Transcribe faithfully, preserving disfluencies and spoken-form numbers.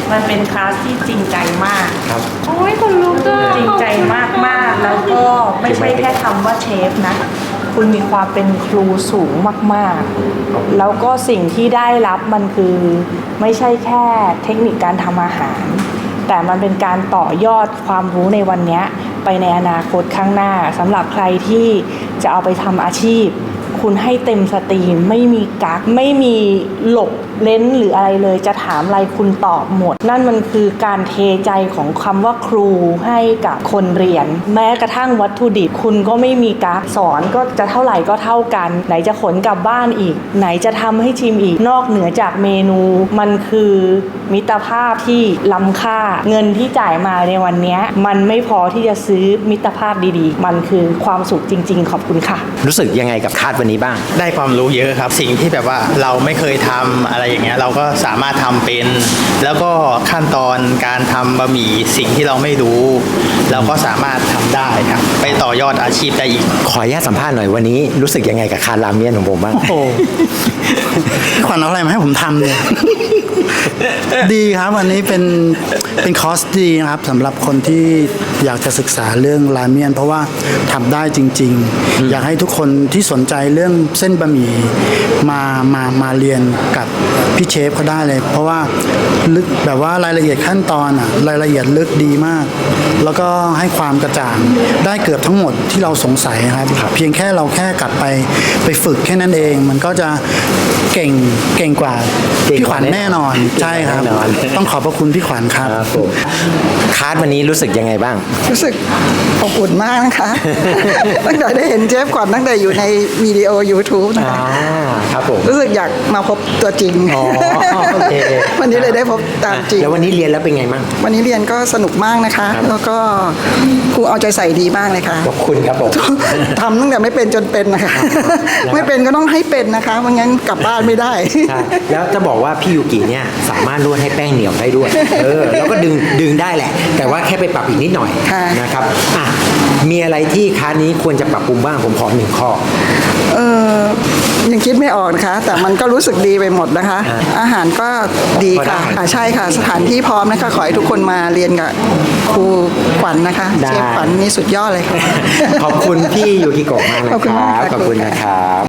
มันเป็นคลาสที่จริงใจมากครับโอ้ยคนลุกอะจริงใจมากๆแล้วก็ไม่ใช่แค่คำว่าเชฟนะคุณมีความเป็นครูสูงมากๆแล้วก็สิ่งที่ได้รับมันคือไม่ใช่แค่เทคนิคการทำอาหารแต่มันเป็นการต่อยอดความรู้ในวันนี้ไปในอนาคตข้างหน้าสำหรับใครที่จะเอาไปทำอาชีพคุณให้เต็มสตรีมไม่มีกั๊กไม่มีหลบเล้นหรืออะไรเลยจะถามอะไรคุณตอบหมดนั่นมันคือการเทใจของคำว่าครูให้กับคนเรียนแม้กระทั่งวัตถุดิบคุณก็ไม่มีกั๊กสอนก็จะเท่าไหร่ก็เท่ากันไหนจะขนกลับบ้านอีกไหนจะทำให้ชิมอีกนอกเหนือจากเมนูมันคือมิตรภาพที่ล้ำค่าเงินที่จ่ายมาในวันนี้มันไม่พอที่จะซื้อมิตรภาพดีๆมันคือความสุขจริงๆขอบคุณค่ะรู้สึกยังไงกับคาดวันนี้บ้างได้ความรู้เยอะครับสิ่งที่แบบว่าเราไม่เคยทำอะไรอย่างเงี้ยเราก็สามารถทำเป็นแล้วก็ขั้นตอนการทำบะหมี่สิ่งที่เราไม่รู้เราก็สามารถทำได้ครับไปต่อยอดอาชีพได้อีกขออนุญาตสัมภาษณ์หน่อยวันนี้รู้สึกยังไงกับคาราเมียนของผมบ้างโอ้ขวัญเอาอะไรมาให้ผมทำเนี่ยดีครับวันนี้เป็นเป็นคอร์สดีนะครับสำหรับคนที่อยากจะศึกษาเรื่องราเมียนเพราะว่าทำได้จริงๆอยากให้ทุกคนที่สนใจเรื่องเส้นบะหมี่มามามาเรียนกับพี่เชฟเขาได้เลยเพราะว่าลึกแบบว่ารายละเอียดขั้นตอนอะรายละเอียดลึกดีมากแล้วก็ให้ความกระจ่างได้เกือบทั้งหมดที่เราสงสัยครับเพียงแค่เราแค่กลับไปไปฝึกแค่นั้นเองมันก็จะเก่งเก่งกว่าพี่ขวัญแน่นอนใช่ครับต้องขอบพระคุณพี่ขวัญครับคาร์ดวันนี้รู้สึกยังไงบ้างรู้สึกอบอุ่นมากนะคะ ตั้งแต่ได้เห็นเชฟขวัญตั้งแต่อยู่ในวิดีโอ YouTube นะคะครับผมรู้สึกอยากมาพบตัวจริงวันนี้เลยได้พบตามจริงแล้ววันนี้เรียนแล้วเป็นไงบ้างวันนี้เรียนก็สนุกมากนะคะแล้วก็ครูเอาใจใส่ดีมากเลยค่ะขอบคุณครับผมทำตั้งแต่ไม่เป็นจนเป็นนะคะไม่เป็นก็ต้องให้เป็นนะคะไม่งั้นกลับบ้านไม่ได้แล้วจะบอกว่าพี่ยูกิเนี่ยสามารถนวดให้แป้งเหนียวได้ด้วยเออแล้วก็ดึงดึงได้แหละแต่ว่าแค่ไปปรับอีกนิดหน่อยนะครับอ่ะมีอะไรที่คลาสนี้ควรจะปรับปรุงบ้างผมขอหนึ่งข้อเออยังคิดไม่ออกนะคะแต่มันก็รู้สึกดีไปหมดนะคะอาหารก็ดีค่ะใช่ค่ะสถานที่พร้อมนะคะขอให้ทุกคนมาเรียนกับครูขวัญนะคะเชฟขวัญนี่สุดยอดเลยค่ะขอบคุณพี่ยูกิโกะมากนะครับขอบคุณนะครับ